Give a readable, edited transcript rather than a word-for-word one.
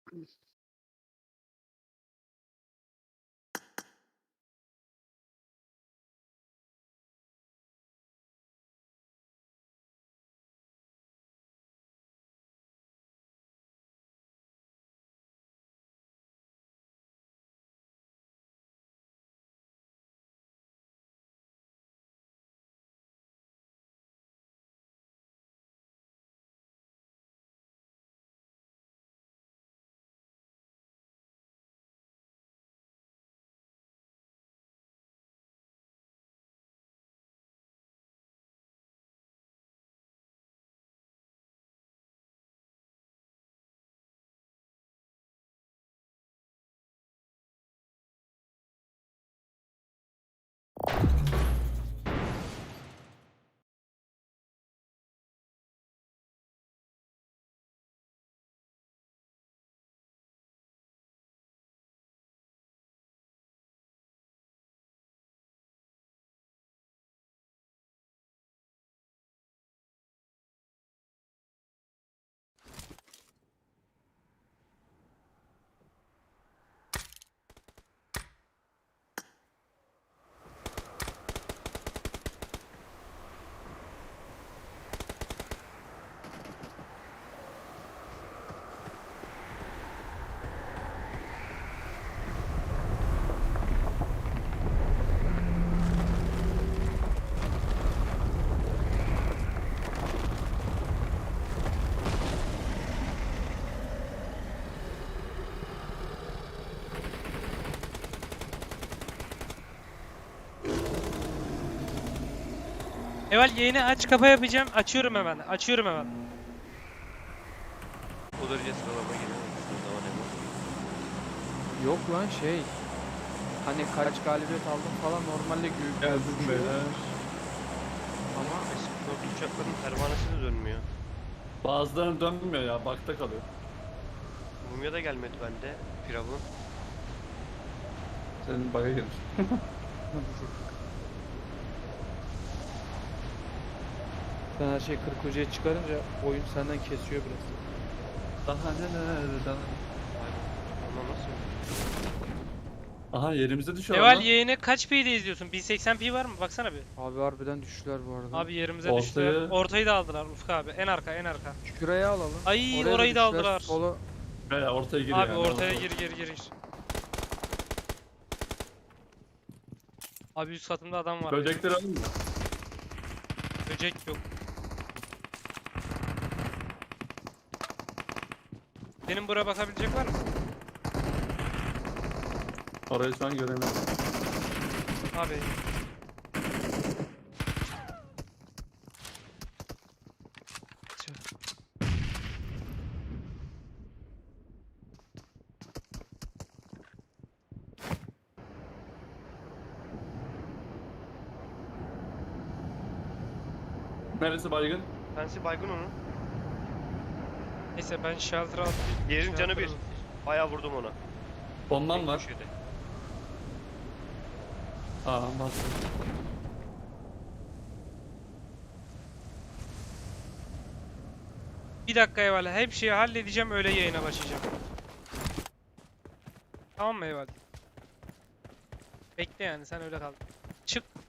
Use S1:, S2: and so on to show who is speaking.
S1: Eval yayını aç kapa yapacağım. Açıyorum hemen. Açıyorum hemen.
S2: O derece sıralama geliyor. Sıralama ne bu?
S3: Yok lan şey. Hani kaç galibiyet aldım falan normalde
S4: Geldim beyler.
S2: Ama eski uçakların pervanesi de dönmüyor.
S4: Bazılarının dönmüyor ya, bakta kalıyor.
S2: Mumya da gelmedi bende. Firavun.
S4: Senin bug'a girmiş.
S3: Sen her şeyi 40 hocaya çıkarınca oyun senden kesiyor biraz.
S4: Daha neler.
S2: Ama nasıl?
S4: Aha yerimize düşüyor
S1: Eval
S4: lan.
S1: yayını kaç P'de izliyorsun? 1080p var mı? Baksana bir.
S3: Abi harbiden düştüler bu arada.
S1: Abi yerimize
S4: Ortayı-
S1: düştüler. Ortayı da aldılar Ufuk abi. En arka en arka.
S3: Şuraya alalım.
S1: Ay,
S3: Oraya
S1: orayı da
S3: düştüler.
S1: aldılar.
S3: Sola
S4: Veya ortaya giriyor
S1: Abi
S4: yani.
S1: ortaya gir. Abi üst katımda adam var.
S4: Böcekleri alın mı?
S1: Böcek yok. Senin buraya bakabilecek var mı?
S4: Orayı şu an göremiyorum.
S1: Abi.
S4: Neresi baygın?
S2: Pensi baygın onun.
S1: Neyse ben shelter'a atlayayım.
S2: Diğerinin canı
S1: Shelter'a
S2: bir. Bayağı vurdum ona.
S4: Bombam
S2: Tek
S4: var.
S2: köşede.
S4: Aa bastım.
S1: Bir dakika Eyvallah. Hep şeyi halledeceğim öyle yayına başlayacağım. Tamam mı Eyvallah? Bekle yani sen öyle kal. Çık.